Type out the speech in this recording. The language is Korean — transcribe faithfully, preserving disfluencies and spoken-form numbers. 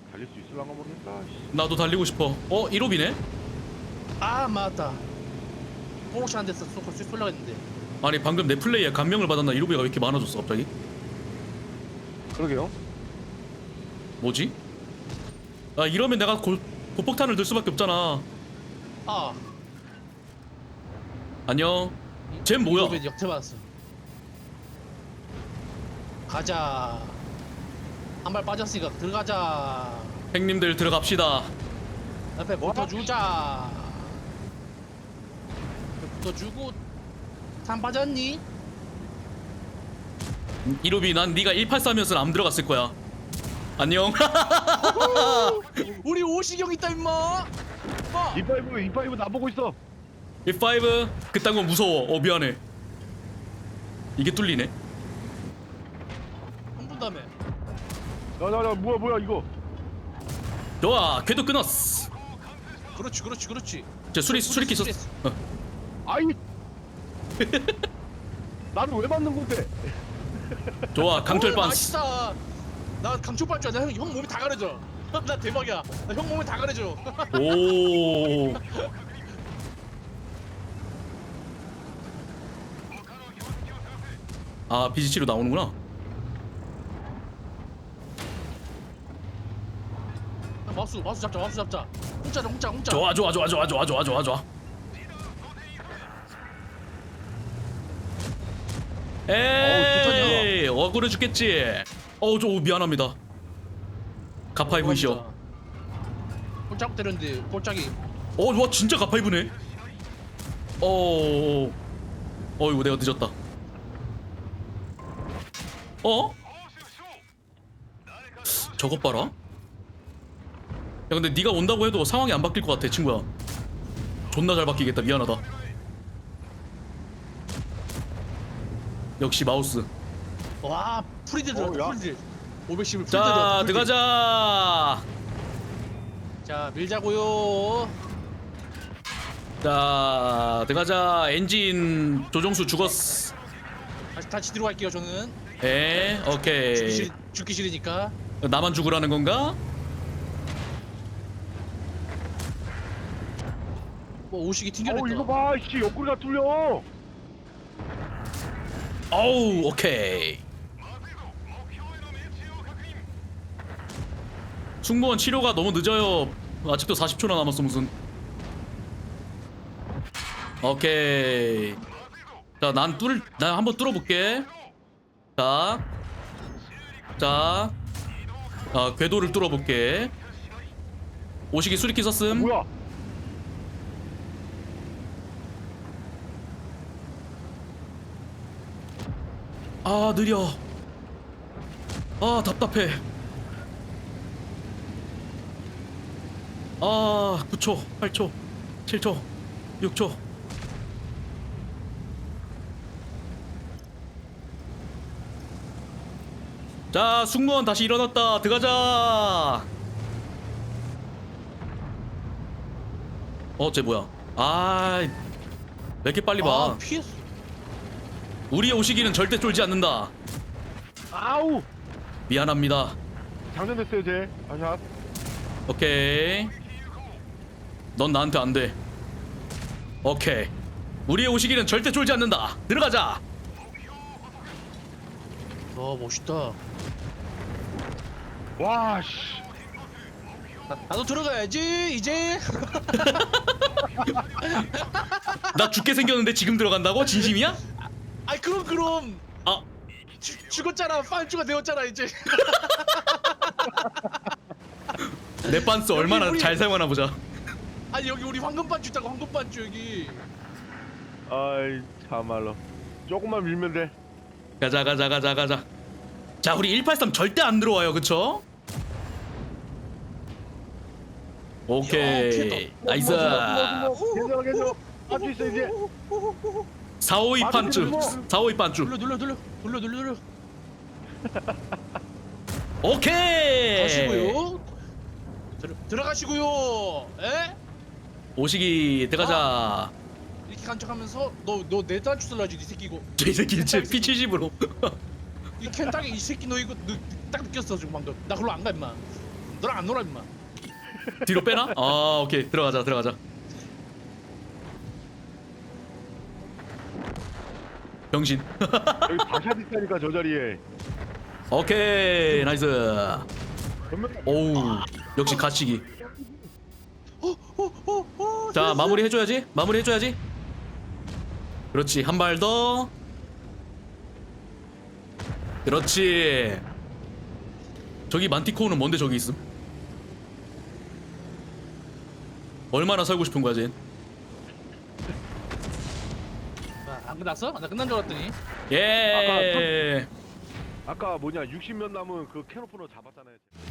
달릴 수 있을랑가 모르겠다. 씨. 나도 달리고 싶어. 어? 일호비네? 아 맞다. 포르쉐 한 대서 쏘고 쏠려고 했는데. 아니 방금 내 플레이에 감명을 받았나. 일호비가 왜 이렇게 많아졌어 갑자기? 그러게요. 뭐지? 아 이러면 내가 고, 고폭탄을 들 수밖에 없잖아. 아. 안녕. 쟨 뭐야? 이거 역태 받았어. 가자. 한 발 빠졌으니까 들어가자. 형님들 들어갑시다. 옆에 붙어주자. 옆에 붙어주고. 산 빠졌니? 일호비 난 네가 일팔삼이었으면 안 들어갔을 거야. 안녕. 우리 오시경 있다 임마. 마. 이파이브 이파이브 나보고 있어. 일파이브 그딴 건 무서워. 어 미안해. 이게 뚫리네. 한 분 다음에. 야야야 뭐야 뭐야 이거. 좋아 궤도 끊었어. 그렇지 그렇지 그렇지. 저 수리 수리키 있었어. 어. 아이. 나는 왜 맞는 건데? 좋아 강철 오, 반스. 맛있다. 나 강철 반줄 알아. 형, 형 몸이 다 가려져. 나 대박이야. 나 형 몸이 다 가려져. 오. 아 비지치로 나오는구나. 마우스 마우스 잡자 마우스 잡자. 홍짜자 홍짜 홍짜. 좋아 좋아 좋아 좋아 좋아 좋아 좋아 좋아. 에이 억울해 죽겠지. 어우 저 미안합니다. 가파이브이시여. 꼴짝 때렸는데 꼴짝이. 어 와 진짜 가파이브네. 어 어이구 내가 늦었다. 어? 저것 봐라. 야 근데 네가 온다고 해도 상황이 안 바뀔 것 같아 친구야. 존나 잘 바뀌겠다. 미안하다. 역시 마우스. 와 프리드 들었다. 어, 야. 프리드. 오백십을 프리드 자 들었다. 프리드. 들어가자. 자 밀자고요. 자 들어가자. 엔진 조종수 죽었어. 다시 다시 들어갈게요 저는. 에 죽기 오케이. 싫 죽기 싫으니까. 나만 죽으라는 건가? 뭐 오식이 어 튕겨냈다. 이거 봐. 씨 옆구리가 뚫려. 어우 오케이. 승무원 치료가 너무 늦어요. 아직도 사십 초나 남았어 무슨. 오케이. 자 난 뚫, 난 한번 뚫어볼게. 자, 자, 아 궤도를 뚫어볼게. 오시기 수리키 썼음. 뭐야? 아 느려. 아 답답해. 아 구 초, 팔 초, 칠 초, 육 초. 자 승무원 다시 일어났다. 들어가자. 어 쟤 뭐야? 아 왜 이렇게 빨리 봐. 아 피했어. 우리의 오시기는 절대 쫄지 않는다. 아우. 미안합니다. 장전됐어요 쟤. 아샷. 오케이. 넌 나한테 안 돼. 오케이. 우리의 오시기는 절대 쫄지 않는다. 들어가자. 와 멋있다. 와 씨. 나, 나도 들어가야지 이제. 나 죽게 생겼는데 지금 들어간다고? 진심이야? 아이 그럼 그럼. 아, 죽, 죽었잖아. 판주가 되었잖아 이제. 내 빤스 얼마나 우리- 잘 사용하나 보자. 아니 여기 우리 황금 반주 있다고. 황금 반주 여기. 아이 참말로. 조금만 밀면 돼. 가자 가자 가자 가자. 자 우리 일팔삼 절대 안 들어와요 그쵸? 야, 오케이 피했다. 나이스. 괜찮아 괜찮아. 할수 있어 이제. 사오이 판쭈 사오이 판쭈. 눌러 눌러 눌러 눌러 눌러 눌러. 오케이. 가시고요. 들어 들어가시고요. 에? 오시기 들어가자. 이렇게 간척하면서 너 너 내 단추 쓸라지 이 새끼고. 이 새끼 진짜 피 칠십으로. 이 켄타기 이 새끼 너 이거 너, 딱 느꼈어 지금 방금. 나 그걸로 안 가 임마. 너랑 안 놀아 임마. 뒤로 빼나? 아 오케이 들어가자 들어가자. 병신. 여기 바샷 있다니까 저 자리에. 오케이 나이스. 전면. 오우 역시 가치기. 어어어어. 자 마무리 해줘야지 마무리 해줘야지. 그렇지 한 발 더. 그렇지. 저기 만티코어는 뭔데 저기 있음? 얼마나 살고 싶은 거야 쟤? 안 끝났어? 나 끝난 줄 알았더니. 예. 아까 뭐냐 육십 면 남은 그 캐노프너 잡았잖아요.